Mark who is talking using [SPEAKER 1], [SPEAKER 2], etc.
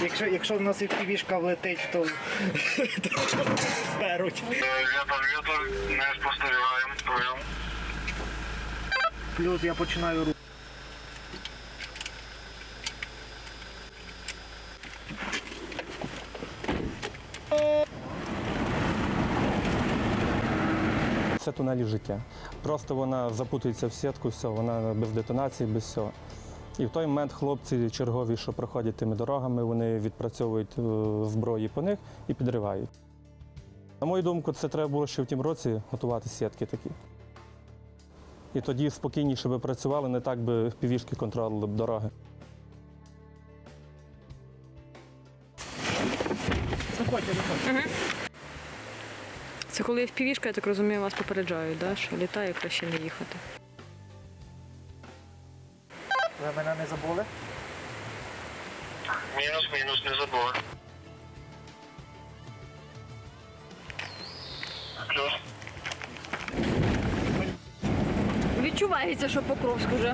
[SPEAKER 1] Якщо в нас і півішка влетить, то зберуть.
[SPEAKER 2] Вітер, не спостерігаємо, прийом.
[SPEAKER 1] Плюс я починаю рух.
[SPEAKER 3] Це тунелі життя. Просто вона запутується в сітку, все, вона без детонації, без всього. І в той момент хлопці чергові, що проходять тими дорогами, вони відпрацьовують зброї по них і підривають. На мою думку, це треба було ще в тім році готувати сітки такі. І тоді спокійніше би працювали, не так би півішки контролювали б дороги.
[SPEAKER 1] Заходьте.
[SPEAKER 4] Це коли FPV-шка, я так розумію, вас попереджають, да? Що літає, краще не їхати.
[SPEAKER 1] Ви мене не забули?
[SPEAKER 2] Мінус, не забули. Плюс.
[SPEAKER 4] Відчувається, що Покровськ вже.